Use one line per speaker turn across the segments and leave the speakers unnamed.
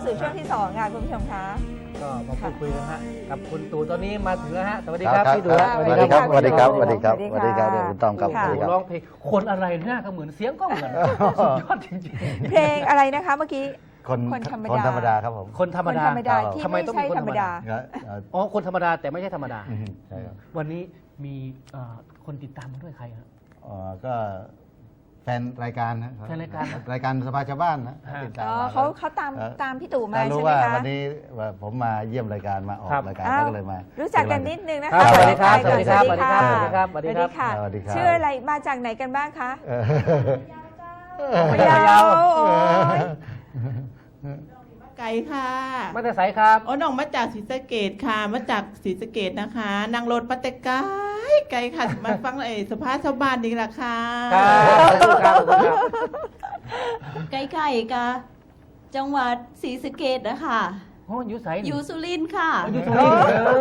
สู่ช่วงที่2ค่ะคุณผู้ชมคะ
ก็มาพูดคุยกันฮะกับคุณตู่ตอนนี้มาถึงแล้วฮะสวัสดีครับพี่ตู่
สวัสดีครับ
สวัสดีครับ
ส
ส
วั
วั
ส
ส
ดี
ดี
ค
ค
รั
รับ บ สวัสดีครับคุณต้อมครับ
ค่ะ
สวัสดีครับ
ร้องเพลงคนอะไรหน้าก็เหมือนเสียงก็เหมือนสุดยอดจริง
เพลงอะไรนะคะเมื่อกี้ คนธรรมดา
คนธรรมดาครับผม
ๆ คนธรรม
คน
ดา
ธรรมดา
ครับ
ที่
ทำไม
ไม่
ต้อง
ใช่
เป็นคน
ธรรมดา
อ๋อคนธรรมดาแต่ไม่ใช่ธรรมดา
ใช่ครับ
วันนี้มีคนติดตามมาด้วยใครครับ
ก็แฟนรายการนะ
แฟนรายการ
รายการสภาชาวบ้านนะ
ฮะ
ติดตาม
อ๋อ
มา
เขาตามพี่ตู่มา
ถ้ารู้
ใช่ไหม
ว่า
คะ
วันนี้ว่าผมมาเยี่ยมรายการมาออก
ครับ
รายการ
อ้าว
ก็เลยมา
รู้จักกันนิดนึงนะ
ครั
คะ
บสวัสดีครับ
ทักทายก่อน
สวัสดีครับ
สวัสดีค่ะ
สวัสดีครับ
ค่ะ
สวัสดีครับ
ชื่ออะไรมาจากไหนกันบ้างคะ
เออ
พะเยาโอ้ย
ไก่ค่ะ
มาแต่ไสครับ
โอ้น้องมาจากศรีสะเกดค่ะ มาจากศรีสะเกดนะคะนางรถมาแต่ไกลไกลค่ะ มาฟังสภาชาวบ้านนี่แหละค่ะ
ครับขอบคุณครับ
ใกล้ๆกับจังหวัดศรีสะเกษนะคะ
โอ้อยู่ไสนี่
อยู่สุรินทร์ค่ะ
อยู่สุรินทร์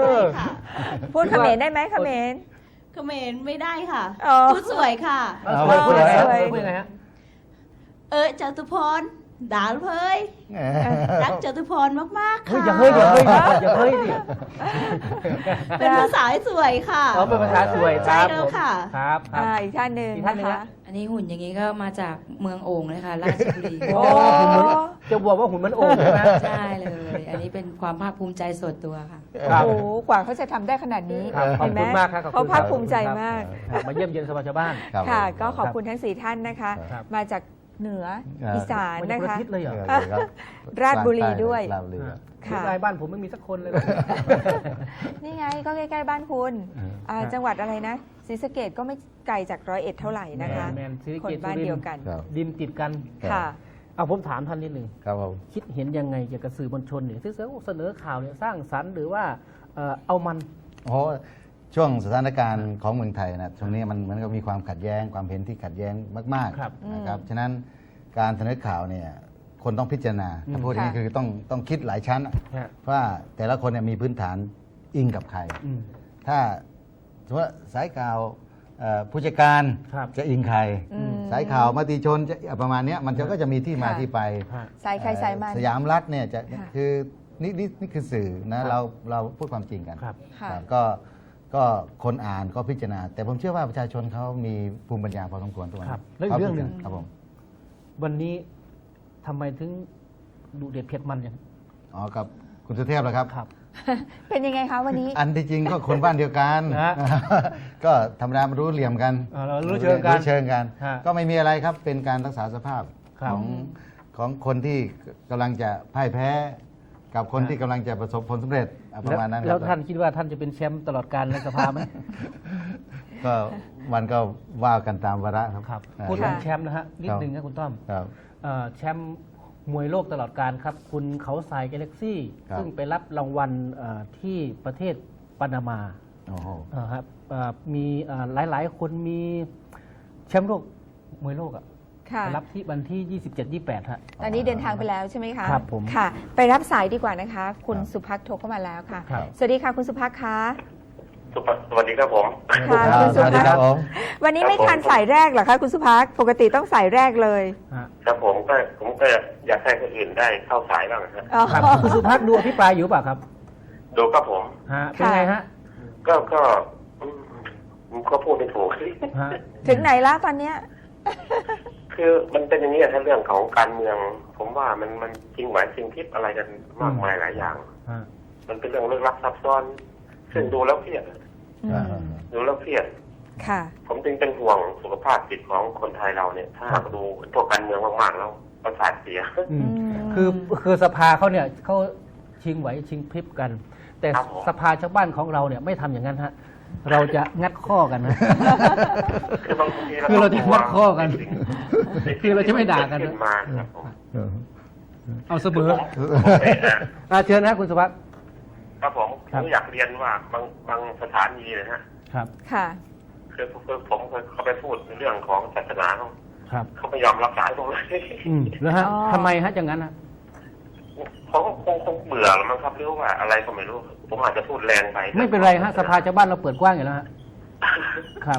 ค่ะ
พูดเขมรได้ไหมเขมร
เขมรไม่ได้ค่ะ
อ๋อ
พูดสวยค่ะ
สวยพูดยังไงฮะ
สวย
พูดยังไงฮะ
จตุพรด่าเพยรักจตุพรมากๆ
เฮ้ย
ค่ะ
อย่าเฮ้ยดิ
เป็นภาษาสวยค่ะ
อ๋อเป็นภาษาสวยค
ใช่
รับ
แล้วค่ะ
ครับครับ
อีกท่านหนึ่ง
อีกท่านหนึ่ง
นะคะ
ฮะ
อันนี้หุ่นอย่างนี้ก็มาจากเมืองโอ่งเลยค่ะราชบุรี
โอ้
จะบอกว่าหุ่นมันโอ่งใช่ไหม
ใช่เลย อันนี้เป็นความภาคภูมิใจส่วนตัวค่ะ
ครับ
โอ้โหกว่าเขาจะทำได้ขนาดนี้
ครับขอบ
เห็นไหม
คุณมากครับขอบ
เขา
คุณ
ภาคภูมิใจมาก
ครับมาเยี่ยมเยียนสภาชาวบ้าน
ครับ
ค่ะ
ผม
ก็ขอบคุณทั้ง 4 ท่านนะคะ
ครับ
มาจากเหนืออีสาน
มันจะ
นะ
คนละ
คะ
ทิศเลยเหรอ
ครับ
ราชบุรีด้วย
ราชบุรีครับ
ค่ะ
รายบ้านผมไม่มีสักคนเลย
นี่ไงก็ใกล้ๆบ้านคุณ
ครับ
จังหวัดอะไรนะศรีสะเกดก็ไม่ไกลจาก101เท่าไหร่นะคะ
แมนศรีสะ
คน
เกษ
บ้านเดียวกัน
ครับ
ดินติดกัน
ค่ะ
เอาผมถามท่านนิดหนึ่ง
ครับผม
คิดเห็นยังไงเกี่ยวกับสื่อมวลชนเนี่ยที่เสนอข่าวเนี่ยสร้างสรรค์หรือว่าเอามัน
โอ้ช่วงสถานการณ์ของเมืองไทยนะช่วงนี้มันก็มีความขัดแย้งความเห็นที่ขัดแย้งมาก
ครับ
ๆนะครับฉะนั้นการเสนอข่าวเนี่ยคนต้องพิจารณาถ้าพูดอย่างนี้
ค่ะ
คือต้องคิดหลายชั้นอะ
ฮะ
ว่าแต่ละคนเนี่ยมีพื้นฐานอิงกับใคร
อืม
ถ้าสมมติว่าสายข่าวผู้จัดการ
ครับ
จะอิงใคร
อืม
สายข่าวมติชนจะประมาณเนี้ยมันก็จะมีที่มา
ค่ะ
ที่ไป
ฮะ
สายใครสายมัน
สยามรัฐเนี่ยจะ
ค่ะ
คือนี่คือสื่อนะเราพูดความจริงกัน
ครับ
ค่ะ
ครับก็คนอ่านก็พิจารณา แต่ผมเชื่อว่าประชาชนเขามีภูมิปัญญาพอสมควรตัว
ครับ
นี้
แล้วอีกเรื่องหนึ่ง
ครับผม
วันนี้ทำไมถึงดูเด็ดเผ็ดมันอย่าง
อ๋อกับคุณสุเทพเหรอครับ
ครับ
เป็นยังไงคะวันนี้
อันที่จริงก็คนบ้านเดียวกัน
นะ
ก็ธรรมดามันรู้เหลี่ยมกัน
เรารู้เชิงกัน
รู้เชิงกัน
ฮะ
ก็ไม่มีอะไรครับเป็นการรักษาสภาพ
ครับ
ของคนที่กำลังจะพ่ายแพ้ กับคน
ฮะ
ที่กำลังจะประสบผลสำเร็จประมาณนั้นครับ
แล้วท่านคิดว่าท่านจะเป็นแชมป์ตลอดการในสภาไหม
ก็มันก็ว่ากันตามวาระครับ
ครับ
นะ
พูดถึง
ค่ะ
แชมป์นะฮะนิดนึงนะคุณต้อม
ครับ
แชมป์มวยโลกตลอดการครับ คุณเขาทรายกาแล็กซี่
ครับ
ซึ่งไปรับรางวัลที่ประเทศปานามา
โอ้โห
ครับมีหลายๆ คนมีแชมป์โลกมวยโลกอะ
ค่ะ
ไปรับที่วันที่ 27-28ฮะ
ตอนนี้เดินทางไปแล้วใช่ไหมคะ
ครับผม
ค่ะ ไปรับสายดีกว่านะคะ คุณ
ครับ
สุภักโทรเข้ามาแล้วค่ะ
ครับ
สวัสดีค่ะคุณสุภักคะ
สวัสดีครับผม
ค่ะ
รับ
คุณ
ส
สุ
วัสดี
ภัก
ครับผม
วันนี้ไม่ทันสายแรกเหรอคะคุณสุภักปกติต้องสายแรกเลย
ฮะ
ครับผมก็อยากให้คนอื่นได้เข้าสายบ้างครับ
อ๋อ
ครับคุณสุภักดูอภิปรายอยู่เปล่าครับ
ดูครับผม
ฮะเป็นไงฮะ
ก็อืมก็พูดไม่ถูก
ฮะ
ถึงไหนละตอนเนี้ย
คือมันเป็นอย่างนี้ถ้าเรื่องของการเมือง ผมว่ามันจริงไหวจริงทิพย์อะไรกันมากมายหลายอย่าง
ฮะ
มันเป็นเรื่องลึกลับซับซ้อน ซึ่งดูแล้วเครียด
อืม
ดูแล้วเครียด
ค่ะ
ผมจึงเป็นห่วงสุขภาพจิตของคนไทยเราเนี่ย ถ้าหากดูพวกการเมืองมากๆแล้วประสาทเสีย
อืม
อืม
คือสภาเขาเนี่ยเขาชิงไหวชิงพริบกัน แต่
ครับผม
สภาชาวบ้านของเราเนี่ยไม่ทำอย่างนั้นฮะเราจะงัดข้อกันนะ
คือบางที
คือเราจะงัดข้อกัน
ในสิ่ง
คือเราจะไม่ด่ากัน
ที่ขึ้นมาครับผม
เอาเสมอ
ผม
เชิญนะคุณสุภัก
ครับผม
ครับ
อยากเรียนว่าบางสถานีนะฮะ
ครับ
ค่ะ
คือผมเคยเขาไปพูดในเรื่องของศาสนาเขา
ครับ
เขาไม่ยอมรับสายผมเลย
แล้วฮะ
อ๋อ
ทำไมฮะอย่างนั้นฮะ
เขาก็คงเบื่อแล้วมั้งครับหรือว่าอะไรก็ไม่รู้ ผมอาจจะพูดแรงไป
ไม่เป็นไรฮะสภาชาวบ้านเราเปิดกว้างอยู่แล้วฮะครับ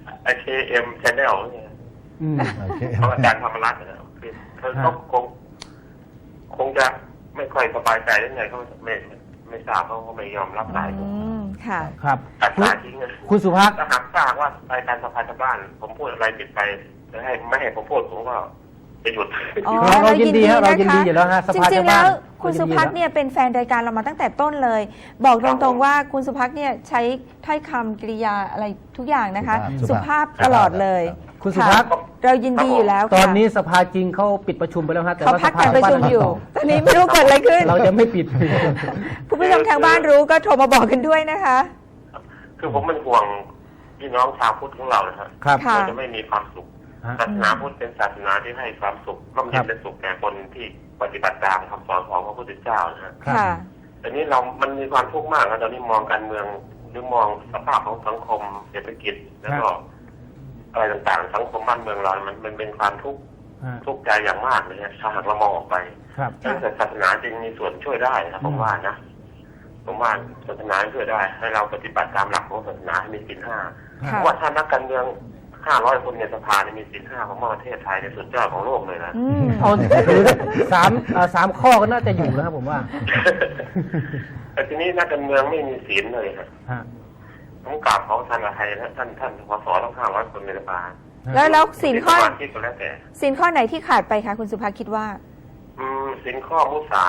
IKM Channel เนี่ย
อืม
โอเค
ของอาจารย์ธรรมรัตน์นะครับคือเขาคงจะไม่ค่อยสบายใจได้ไงเขาไม่ทราบเขาก็ไม่ยอมรับสายผม
ค่ะ
ครับ
ตัดสายทิ้งเลย
คุณสุภักดิ์
ถ้าหากทราบว่ารายการสภาชาวบ้าน ผมพูดอะไรผิดไปจะให้ไม่ให้ผมพูดผมก็จะหยุด
อ๋อ
เรายินดีฮะเรายินดีอยู่แล้วฮะส
จ
ภา
ริ
ชาง ว
ๆ
บ้า
แล้
น
วคุณสุภักดิ์เนี่ยเป็นแฟนรายการเรามาตั้งแต่ต้นเลย บอกตรงๆว่าคุณสุภักดิ์เนี่ยใช้ถ้อยคำกริยาอะไรทุกอย่างนะคะ สุภาพตลอดเลย
คุณสุภักดิ์
ค่ะเรายินดีอยู่แล้ว
ตอน
ค่ะ
นี้สภาจริงเขาปิดประชุมไปแล้วฮะแต่
เขา
ว่า
พั
ส
ก
ภา
การประชุมอยู่ ตอนนี้ไม่รู้เกิดอะไรขึ้น
เราจะไม่ปิด
คุณผู้ชมทางบ้านรู้ก็โทรมาบอกกันด้วยนะคะ
คือผมเป็นห่วงพี่น้องชาวพุทธของเรานะครับ
ครับ
ค่ะ
เราจะไม่มีความสุข
ฮะ
ศาสนาพุทธเป็นศาสนาที่ให้ความสุขร่มเย็นเป็นสุขแก่คนที่ปฏิบัติตามคำสอนของพระพุทธเจ้านะฮะ
ค่ะ
แต่นี้มันมีความทุกข์มากนะตอนนี้มองการเมืองหรือมองสภาพของสังคมเศรษฐกิจแล้วก็อะไรต่างๆสังคมบ้านเมืองเรามันเป็นความทุกข์
ฮะ
ทุกข์ใจอย่างมากเลยนะถ้าหากเรามองออกไป
ครับ
แต่ศาสนาจริงมีส่วนช่วยได้นะผมว่านะผมว่าศาสนาช่วยได้ ให้เราปฏิบัติตามหลักของศาสนาให้มีศีลห้า
ค่ะ
ว่าถ้านักการเมือง500 คนในสภาเนี่ยมีศีลห้าของประเทศไทยในสุดยอดของโลกเลยนะ
อืม
เอาถือสามข้อก็น่าจะอยู่นะครับผมว่า
แต่ทีนี้นักการเมืองไม่มีศีลเลยครับ
ฮะ
ผมกราบขอท่านอาไทยและท่านสสทั้ง500 คนในสภา
แล้วศีลข้อ
สมาชิกก็แล้วแต่
ศีลข้อไหนที่ขาดไปคะคุณสุภาคิดว่า
ศีลข้อมุสา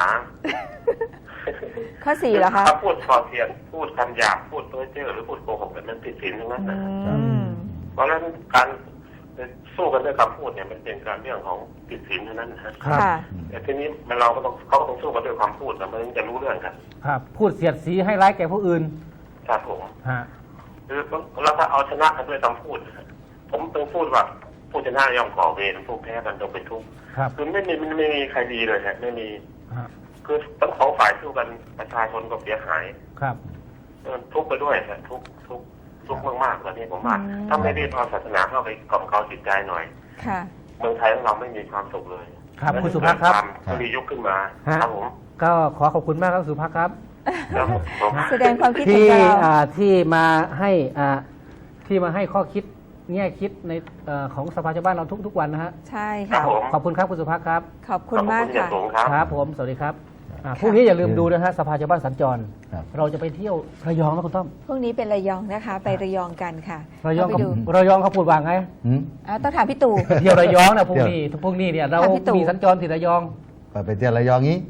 ข้อ 4เหรอคะ
ถ้าพูดส่อเสียดพูดคำหยาบพูดเพ้อเจ้อหรือพูดโกหกแบบนั้นผิดศีลทั้งนั้น
อื
นะ
ม
เพราะฉะนั้นการสู้กันด้วยคำพูดเนี่ยมันเป็นการเรื่องของผิดศีลเท่านั้นนะฮะ
ครับ
ค่ะ
แต่ทีนี้เขาก็ต้องสู้กันด้วยความพูดแต่มันถึงจะรู้เรื่องกัน
ครับ พูดเสียดสีให้ร้ายแก่ผู้อื่น
ครับผม
ฮะ
คือเราถ้าเอาชนะกันด้วยคำพูดนะฮะผมต้องพูดว่าผู้ชนะย่อมก่อเวรผู้แพ้กันต้องเป็นทุกข์
ครับ
คือไม่มีใครดีเลยฮะไม่มี
ฮะ
คือทั้งสองฝ่ายสู้กันประชาชนก็เสียหาย
ครับ
ทุกข์ไปด้วยฮะทุกข์มากๆตอนนี้ผมว่าถ้าไม่รีบเอาศาสนาเข้าไปกล่อมเกลาจิตใจหน่อย
ค่ะ
เมืองไทยของเราไม่มีความสุขเลย
ครับคุณสุภักดิ์ครับ
มันมียุคขึ้นมา
ฮะ
ครับผม
ก็ขอขอบคุณมากครับสุภักดิ์ครับ
แล้วผม
แสดงความคิดถึง
ที่
เรา
ที่มาให้ข้อคิดแง่คิดในของสภาชาวบ้านเราทุกวันนะฮะ
ใช่
ครั
ค่ะ
บผม
ขอบคุณครับคุณสุภักดิ์ครับ
ขอบคุณมาก
ขอบคุณอย่า
ค่ะ
งสูงครับ
ครับผมสวัสดีครับพรุ่งนี้อย่าลืมดูนะฮะสภาชาวบ้านสัญจร
ครับ
เราจะไปเที่ยวระยองนะคุณต้อม
พวกนี้เป็นระยองนะคะ ไประยองกันค่ะ
ระยอง
เข้าไปดู
เขาพูดว่าไง
หืม
ต้องถามพี่ตู่
เที่ยวระยองนะพรุ่งนี้เนี่ยเรา
ถามพี่ตู่
มีสัญจรที่ระยอง
ไปเที่ยวระยองงี้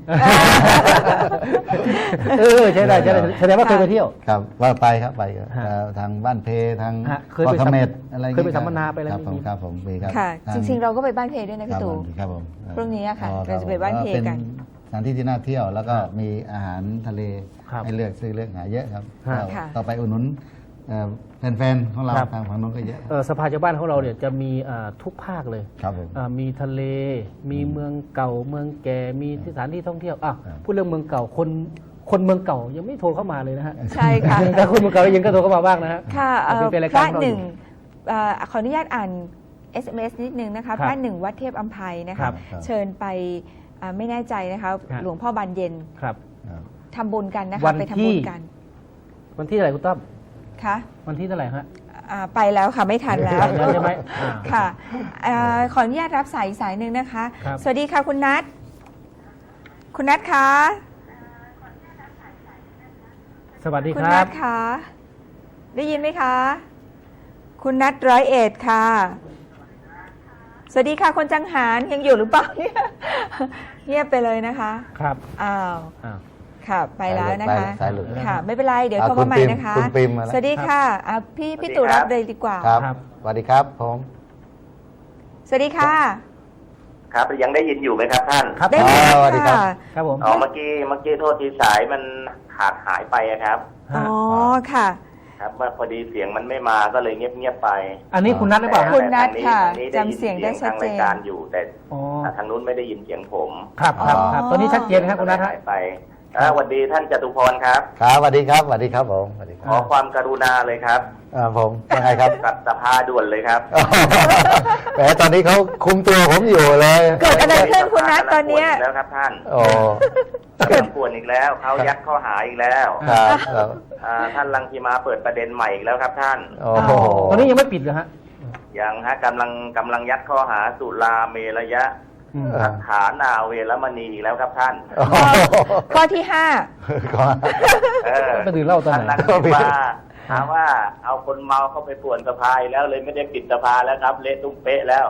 ใช่ได้แสดงว่าเคยไปเที่ยว
ครับว่าไปครับไปครับ
ฮะ
ทางบ้านเพทาง
ฮะเคยไป
เกาะเสม็ดอะไร
เคยไปสัมมนาไปอะไร
ครับผม
มี
ครับผมมีครับ
ค่ะ
ท
จริงๆ เราก็ไปบ้านเพด้วยนะ
ครั
พี่
บ
ตู่
ครับผม
พรุ่งนี้อะค่ะ
อ๋อ
เราจะไปบ้านเพกัน
สถานที่ที่น่าเที่ยวแล้วก็มีอาหารทะเล
ครับ
ให้เลือกซื้อเลือกหาเยอะครับ
ฮะ
ก็
ค่ะ
ต่อไปอุดหนุนแฟนๆของเรา
ครับ
ทางฝั่งนู้นก็เยอะ
สภาชาวบ้านของเราเนี่ยจะมีทุกภาคเลย
ครับผม
มีทะเล มีเมืองเก่า เมืองแก่ มีสถานที่ท่องเที่ยว
ครับ
พูดเรื่องเมืองเก่า คนเมืองเก่ายังไม่โทรเข้ามาเลยนะฮะ
ใช่ค่ะ
แต่คนเมืองเก่ายังก็โทรเข้ามาบ้างนะฮะ
ค่ะ
เป็นราย
พ
การ
ระ
ของเรา
ห
อ
นึ่ง
ยู่
ขออนุญาตอ่าน SMS นิดนึงนะคะ
ครับ
พระหนึ่งวัดเทพอัมภัยนะ
ครั
คะ
บ
เชิญไปไม่แน่ใจนะคะ
ครับ
หลวงพ่อบานเย็น
ครับ
ครับ
ทำบุญกันนะ
วั
คะ
น
ไปทำ
ที่
บุญกัน
วันที่เท่าไหร่คุณต้อม
ค่ะ
วันที่เท่าไหร่ฮะ
ไปแล้วค่ะไม่ทันแล้ว
แล้วใช่ไหม
ค่ะขออนุญาตรับสายอีกสายหนึ่งนะคะ
ครับ
สวัสดีค่ะคุณนัทคุณนัทคะ
สวัสดี
คุ
ค
ณ
รั
นั
บ
ทคะได้ยินไหมคะ คุณนัท101ค่ะ สวัสดีค่ะคนจังหารยังอยู่หรือเปล่าเนี่ยเงียบไปเลยนะคะ
ครับ
อ้าว
อ้าว
ค่ะไปแล้วนะคะ
สายหลุด
ค่ะ ไม่เป็นไรเดี๋ยว
อ่า
โทรมาใหม่
คุณปิ่ม
นะคะ
คุณปิ่มมาแล้ว
สวัสดีค่ะพี่ตู่รับเลยดีกว่า
ครับ
ครับ
สวัสดีครับผม
สวัสดีค่ะ
ครับยังได้ยินอยู่ไหมครับท่าน
ครับ
ได้ยิน
สวัสดีครับ
ค่ะ
ครับผม
อ๋อเมื่อกี้โทษทีสายมันขาดหายไปอะครับ
อ๋อค่ะ
ครับว่าพอดีเสียงมันไม่มาก็เลยเงียบๆไป
อันนี้คุณนัทหรือเปล่า
คุ
ฮะ
ณนัทค่ะ
ทางนี้ได้น
จำเสียงได้ชัดเจน
ทางรายการอยู่แต่
อ๋อ
ทางนู้นไม่ได้ยินเสียงผม
ครับครับครับตอนนี้ชัดเจนครับคุณนัทฮะ
หายไปสวัสดีท่านจตุพรครับ
ครับสวัสดีครับสวัสดีครับผมสวัสดีค
ข
รั
อบ ความกรุณาเลยครับ
ผมยังไงครับ
กลับสภาด่วนเลยครับ
แหมตอนนี้เขาคุมตัวผมอยู่เลย
เกิดอะไรขึ้นคุณนัทตอนเนี้ย
แล้วครับท่าน
โอ้
เรื่องป่วนอีกแล้วเขายัดข้อหาอีกแล้ว
ครับครับ
ท่านรังสีมาเปิดประเด็นใหม่อีกแล้วครับท่าน
โอ้โห
ตอนนี้ยังไม่ปิดเลยฮะ
ยังฮะกำลังยัดข้อหาสุราเมรยะ
อืม
สัทธานาเวรมณีอีกแล้วครับท่าน
ข้อที่ห้า
ก็
ไปดื่มเหล้าตอนไหน
ท่านนักศึกษาถามว่าเอาคนเมาเข้าไปป่วนสภาอีกแล้วเลยไม่ได้ปิดสภาแล้วครับ เละตุ้มเป๊ะแล้ว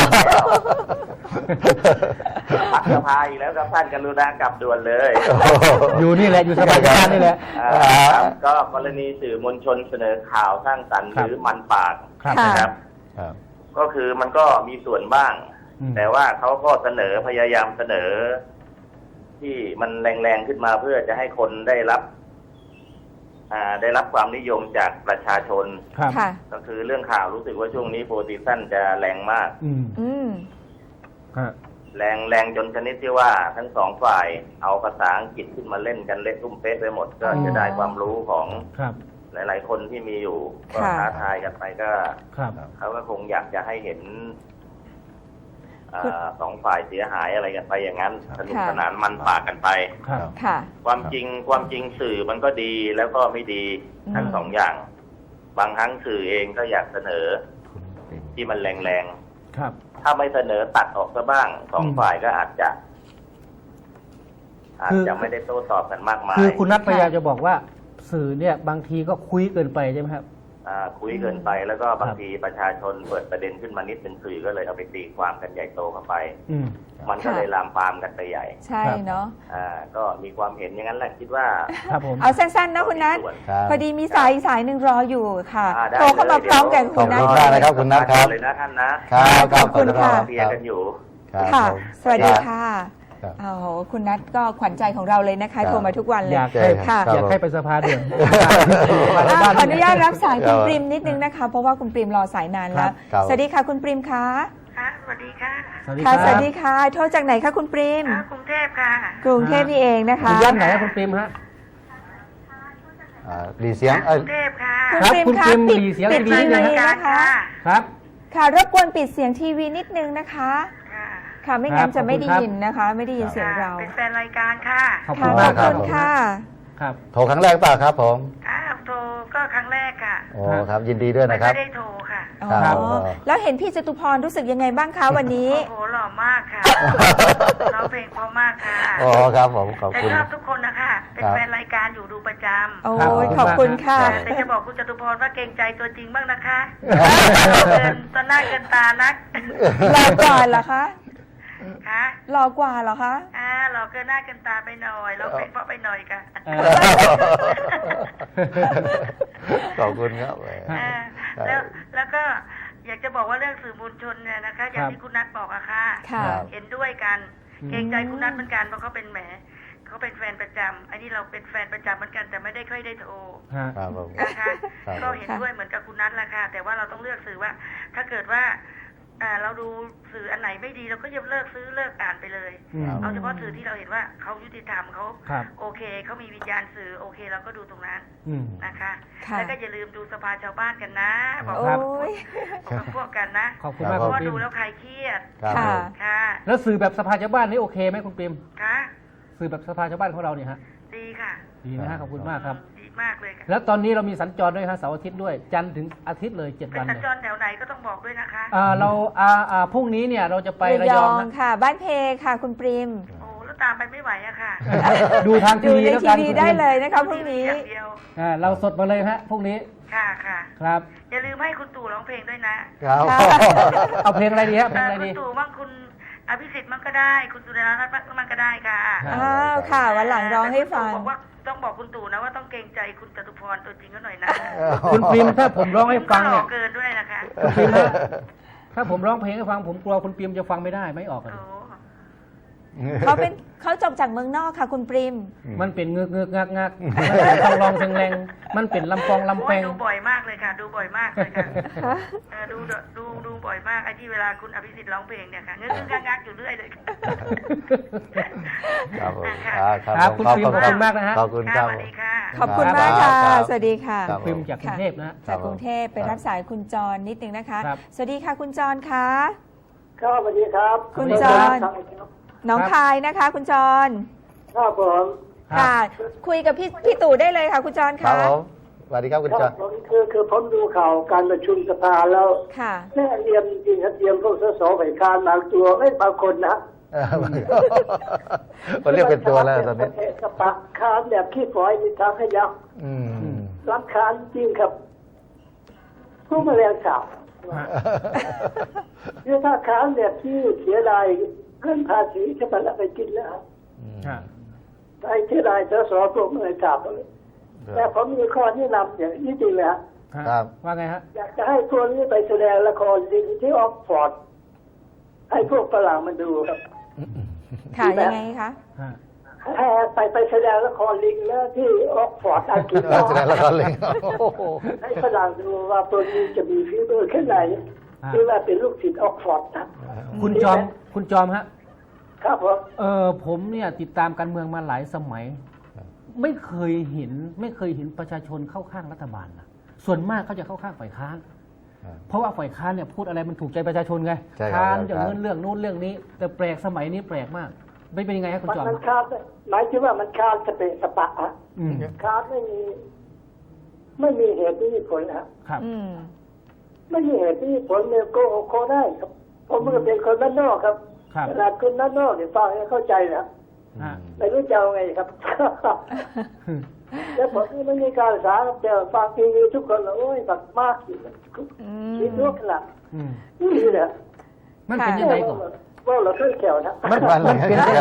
พักสภาอีกแล้วครับท่านกรุณากลับด่วนเลย
อยู่นี่แหละอยู่สบายการนี่แหละ
ครับก็กรณีสื่อมวลชนเสนอข่าวสร้างสรรค์
ครั
ห
บ
รือมันปาก
ครับ
ค่ะ
นะครับ
ครับ
ก็คือมันก็มีส่วนบ้าง
อืม
แต่ว่าเขาก็พยายามเสนอ ที่มันแรงๆขึ้นมาเพื่อจะให้คนได้รับความนิยมจากประชาชน
ครับ
ค่ะ
ก็คือเรื่องข่าวรู้สึกว่าช่วงนี้โปรติชั่นจะแรงมาก
อืม
อืม
ฮะ
แรงจนชนิดที่ว่าทั้งสองฝ่ายเอาภาษาอังกฤษขึ้นมาเล่นกันเละตุ้มเป๊ะไปหมด ก็จะได้ความรู้ของ
ครับ
หลายๆคนที่มีอยู่ก็
ค่ะ
ท้าทายกันไปก็
ครับ
เขาก็คงอยากจะให้เห็นสองฝ่ายเสียหายอะไรกันไปอย่างนั้น สนุกสนานมันปากกันไป
ครับ
ค่ะ
ความจริงสื่อมันก็ดีแล้วก็ไม่ดีทั้ง
อืม
สองอย่าง บางครั้งสื่อเองก็อยากเสนอที่มันแรง
ครับ
ๆถ้าไม่เสนอตัดออกซะบ้างสองฝ่ายก็อาจจะไม่ได้โต้ตอบกันมากมาย
คือคุณนัทพยายามจะบอกว่าสื่อเนี่ยบางทีก็คุยเกินไปใช่ไหมครับ
คุยเกินไปแล้วก็บางทีประชาชนเปิดประเด็นขึ้นมานิดเป็นสื่อก็เลยเอาไปตีความกันใหญ่โตเข้าไป
อืม
มันก็เลยลามปามกันไปใหญ่
ใช่เนาะ
ก็มีความเห็นอย่างนั้นแหละคิดว่า
ครับผม
เอาสั้นๆนะคุณนัท
ครับ
พอดีมีสายอีกสายหนึ่งรออยู่ค่ะ
ได้
โทรเข้ามาพร้อมกัน
ข
คุ
อบ
ณนัท
คุณมากนะครับคุณนัทครับ
เลยนะท่านนะครับ
ครับ
ขอบคุณค่ะ
เคลียร์กันอยู่
ครับ
ค่ะ
ผม
สวัสดีค่ะ
ครับ
โอ้โหคุณนัทก็ขวัญใจของเราเลยนะคะ
ครับ
โทรมาทุกวันเลย
อยากให้
ค่ะ
อยากให้ไปสภาเดือน
ขออนุญาตรับสายคุณปริมนิดนึงนะคะ เพราะว่าคุณปริมรอสายนานแล้ว
ครับ
สวัสดีค่ะคุณปริมคะ
ค่ะสวัสดีค่ะ
สวัสดีค
ค่ะ
รับ
สวัสดีค่ะ โทรจากไหนคะคุณปริม
กรุงเทพค่ะ
กรุงเทพนี่เองนะคะ
อยู่ย่านไหนครับคุณปริมฮะ
ดีเสียง
กรุงเทพค่ะ
คุณ
ครับ
ปริม
คุณ
คะ
ปริม
ปิด
ดีเสียง
ปิด
ดี
ที
นะ
วี
ฮะ
นะคะ
ครับ
ค่ะรบกวนปิดเสียงทีวีนิดนึงนะคะ
ค่ะ
ค่ะไม่งั้น
ครับ
จะไม่ได้
ขอบคุณครับ
ยินนะคะ ไม่ได้ยินเสียงเรา
เป็นแฟนรายการค่ะ
ขอบคุ
ค่ะ
ณ
ข
มา
อก บ
ครั
คุ
บ
ณค่ะ
ครับ
โทรครั้งแรกเปล่าครับผม
โทรก็ครั้งแรกค่ะ
โอ้ครับ ยินดีด้วย
ไม่
นะครับ
ได้โทรค่ะ
อ๋อ
ครับ
แล้วเห็นพี่จตุพรรู้สึกยังไงบ้างคะวันนี้
โอ้โหหล่อมากค่ะร้องเพลงเพราะมากค่ะ
โอ้ครับผมขอบ
แต่
คุณ
ชอบทุกคนนะคะ เป็น
ครับ
แฟนรายการอยู่ดูประจ
โอ้ยขอบคุณค่ะ
ำแต่จะบอกคุณจตุพรว่าเกรงใจตัวจริงบ้างนะคะเกินตอนหน้าเกินตานัก
รอกว่าเหรอคะ
ค่ะ
รอกว่าเหรอคะ
หล่อเกินหน้าเกินตาไปหน่อยร้องเพลงเพราะไปหน่อยค่ะ
เอ
ขอบคุณครับ
แล้วก็อยากจะบอกว่าเรื่องสื่อมวลชนเนี่ยนะคะ อย่างที่คุณนัทบอกอะค่ะ
ค่ะ
เห็นด้วยกัน เกรงใจคุณนัทเหมือนกันเพราะเขาเป็นเขาเป็นแฟนประจำอันนี้เราเป็นแฟนประจำเหมือนกันแต่ไม่ได้ค่อยได้โทร
ฮะ
ครับผม
นะคะ
ครับ
ก็เห็นด้วยเหมือนกับคุณนัทแหละค่ะ แต่ว่าเราต้องเลือกสื่อว่า ถ้าเกิดว่าเราดูสื่ออันไหนไม่ดีเราก็จะเลิกซื้อเลิกอ่านไปเลย
อืม
เอาเฉพาะสื่อที่เราเห็นว่าเขายุติธรรมเขา
ครับ
โอเคเขามีวิญญาณสื่อโอเคเราก็ดูตรงนั้น
อืม
นะคะ
ค่ะ
แล้วก็อย่าลืมดูสภาชาวบ้านกันนะบอก
โอ้
ครับ
ย
กับพวกกันนะ
ขอบคุณมาก
เพ
คุ
ราะ
ณ
ว่า
ปริ
ดู
ม
แล้วใครเครียด
ครับ
ค่ะ
ผม
ค่ะ
แล้วสื่อแบบสภาชาวบ้านนี่โอเคไหมคุณปริม
ค่ะ
สื่อแบบสภาชาวบ้านของเราเนี่ยฮะ
ดีค่ะ
ดีนะฮะขอบคุณมากครับ
ดีมากเลยค่ะ
แล้วตอนนี้เรามีสัญจรด้วยฮะเสาร์อาทิตย์ด้วย จันทร์ถึงอาทิตย์เลย7
เป็
วัน น
สัญ
เลย
จรแถวไหนก็ต้องบอกด้วยนะคะ
เราพรุ่งนี้เนี่ยเราจะไประ
ระ
ย
ย
อ
อง ง
นะ
ค่ะ บ้านเพค่ะ คุณปริม
โอ้แล้วตามไปไม่ไหวอะค่ะ
ดูทางที
ดู
วี
ใน
แล้ว
ที
กัน
วี
คุณป
ได้
ริม
เลยนะคะพรุ่งนี้
อย่างเดียว
เราสดมาเลยฮะพรุ่งนี้
ค่ะค่ะ
ครับ
อย่าลืมให้คุณตู่ร้องเพลงด้วยนะ
ครับ
ค่ะ
เอาเพลงอะไรดีฮะเพลงอะไร
คุ
ดี
ณตู่บ้างคุณอภิสิทธิ์มั่งก็ได้ คุณสุดารัตน์มั่งก็ได้ค่ะ
อ้าวค่ะ วันหลังร้องให้ฟัง
แต่คุณตู่บอกว่าต้องบอกคุณตู่นะว่าต้องเกรงใจคุณจตุพรตัวจริงก็หน่อยนะ
คุณปริมถ้าผมร้องให้ฟัง
คุณก็หล่
เนี่
อย เกินด้วยนะคะ
คุณปริมฮะถ้าผมร้องเพลงให้ฟังผมกลัวคุณปริมจะฟังไม่ได้ไม่ออกเลย
โอ้
เขาจบจากเมืองนอกค่ะ คุณปริม
มันเป็นเงือกเงือกงักงักมันเป็นทองรองเพลงแรงมันเป็นลำปองลำ
โอ้
แป
ย
ง
ดูบ่อยมากเลยค่ะ ดูบ่อยมากเลยค่ะดูบ่อยมากไอ้ที่เวลาคุณอภิสิทธิ์ร้องเพลงเนี่ยค่ะเงื้องักอยู่เรื่อยเลยค่ะ
ครับผม
ครับคุณปริมขอบคุณมากนะฮะ
ขอบคุณค
ค่ะ
รับ
สวัสดีค่ะ
ขอบคุณมากค่ะ
ครับ
สวัสดีค่ะ
ครับ
ปริมจากกรุงเทพนะฮะ
จากกรุงเทพไปรับสายคุณจรนิดนึงนะคะ
ครับ
สวัสดีค่ะคุณจรคะ
ครับสวัสดีครับ
คุณ
ส
จ
วัสดี
ร
ครับ
หน้องคายนะคะ คุณจร
ครับผม
ค่ะ คุยกับพี่ตู่ได้เลยค่ะ คุณจร
ครั
คะ
บผมสวัสดีครับคุณ
ค
จ
รั
อบ น
ผมคือผมดูข่าวการประชุมสภาแล้ว
ค่ะ
แม่เรียมจริงครับเรียมพวกสสฝ่ายค้านบางตัวไม่บางคนนะ
มันเรียกเป็นตัวแล้วตอนนี้
กระปะคานแบบขี้ฝอยมีทางขยับ
อืม
รำคาญจริงครับผู้แมลงสาบเนี่ยถ้าคานแบบที่เสียดายเรื่องภาษีจะมันเอาไปกินแล้ว
ครับ
ไอ้เสียดายสพวกแมลงสาบเลยแต่ผมมีข้อแนะนำอย่างนี้จริงเลยฮะ
ครับ
ว่าไงฮะ
อยากจะให้พวกนี้ไปแสดงละครลิงที่ออกฟอร์ดให้พวกฝรั่งมันดูครับ
ค่ะยังไงคะ
ฮะ
ให้ไปแสดงละครลิงแล้วที่ออกฟอร์ดอังกฤษ
แสดงละครลิงโอ้โห
ให้ฝรั่งดูว่าตัวนี้จะมีฝีมือแค่ไหนที่ว่าเป็นลูกศิษย์ออกฟอร์ดนะ
คุณจอมฮะ
ครับผม
ผมเนี่ยติดตามการเมืองมาหลายสมัย ไม่เคยเห็นประชาชนเข้าข้างรัฐบาลนะส่วนมากเขาจะเข้าข้างฝ่ายค้าน เพราะว่าฝ่ายค้านเนี่ยพูดอะไรมันถูกใจประชาชนไง
ใช่ครับ
ค้านอย่างเงินเรื่องนู้นเรื่องนี้ แต่แปลกสมัยนี้แปลกมากไม่เป็นยังไงครับคุณจอม
มันคาดหมายถึงว่ามันคาดสเปะสปะอะ
อืม
คาดไม่มีเหตุไม่มีผลนะครับ
ครับ
อืม
ไม่มีเหตุไม่มีผลเนี่ยโกหกโคได้ครับผมก็เป็นคนด้านนอกครับ
ครับ
ขนาดคนด้านนอกเนี่ยฟังให้เข้าใจนะ
ฮะ
ไม่รู้จะเอาไงครับ แล้วผมนี่ไม่มีการศึกษาครับแต่ฟังทีวีทุกคนโอ้ยบักมากอยู่คิดลูกขนาด
อืม
นี่แหละ
มันเป็นยังไงก่อน
ว่าเราเคยแขวนะ
มันเป็นยังไง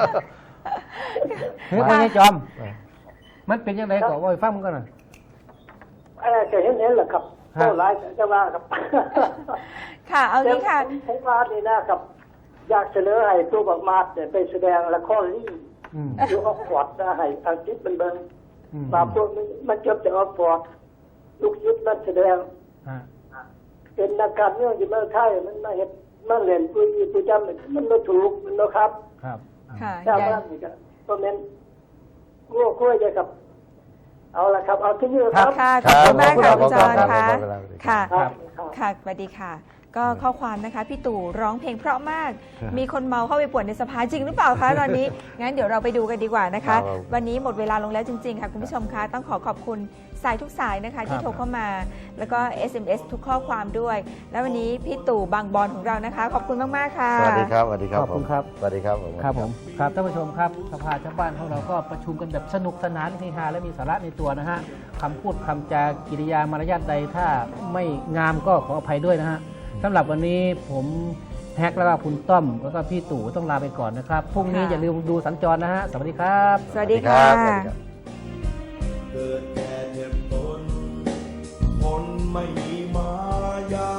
เฮ้ยคุณจอม มันเป็นยังไงก่อนว่าให้ฟังมันกันหน่อย
อะไรจะเห็นแหละครับโอ้หลายจะว่าครับ
ค่ะเอางี้ค่ะ
ผมว่านี่นะครับ อยากเสนอให้ตัวบักมาดเนี่ยไปแสดงละครลิง
อืม
อยู่ออกฟอร์ดนะให้อังกฤษมันเบิ่ง
อืม
มาพวกมันจบจากออกฟอร์ดลูกยุทธมันแสดง
ฮะ
เป็นนักการเมืองที่เมืองไทยมันมาเห็นมันเล่นผู้จำมันไม่ถูกมันนะครับ
ครับ
ค่ะ
ชาว
อย่า
บ้านนี่ก็เพราะนั้นง่วงกล้วยจะกับ เอาละครับ เอาที่นี่ครับ
ค่ะขอบคุณมากค่ะ
ครับ
คุณจร
ครับ
ค่ะ
ครับ
ค่ะ
ครับ
ค่ะสวัสดีค่ะ ก็ข้อความนะคะพี่ตู่ร้องเพลงเพราะมาก
ครับ
มีคนเมาเข้าไปป่วนในสภาจริงหรือเปล่าคะตอนนี้ งั้นเดี๋ยวเราไปดูกันดีกว่านะคะ
ครับ
วันนี้หมดเวลาลงแล้วจริงๆค่ะคุณผู้ชมคะต้องขอบคุณสายทุกสายนะคะที่โทรเข้ามา แล้วก็ SMS ทุกข้อความด้วย แล้ววันนี้พี่ตู่บางบอนของเรานะคะ ขอบคุณมากๆค่ะ
สวัสดีครับ สวัสดีครับ
ขอบคุณครับ
สวัสดีครับผม
ครับผมครับท่านผู้ชมครับสภาชาวบ้านของเราก็ประชุมกันแบบสนุกสนานเฮฮาและมีสาระในตัวนะฮะคำพูดคำจากิริยามารยาทใดถ้าไม่งามก็ขออภัยด้วยนะฮะสำหรับวันนี้ผมแท็กแล้วก็คุณต้อมแล้วก็พี่ตู่ต้องลาไปก่อนนะครับพรุ่งนี้
ค่ะ
อย่าลืมดูสัญจรนะฮะสวัสดีครับ
สวัสดีค่ะ
สวัสดีครับ
เกิดแก่เจ็บตนคนไม่มีมายา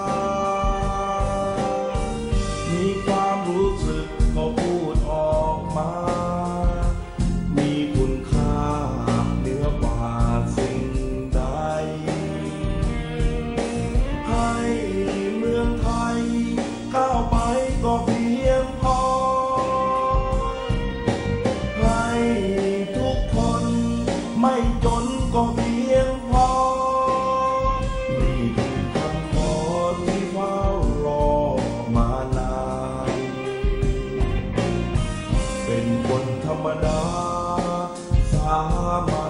มีความรู้สึกก็พูดออกมา มีคุณค่าเหนือกว่าสิ่งใด ให้เมืองไทยก้าวไปก็เพียงพอ ให้ทุกคนไม่จนก็เพียงพอ นี่คือคำขอที่เฝ้ารอมานาน เป็นคนธรรมดาสามัญ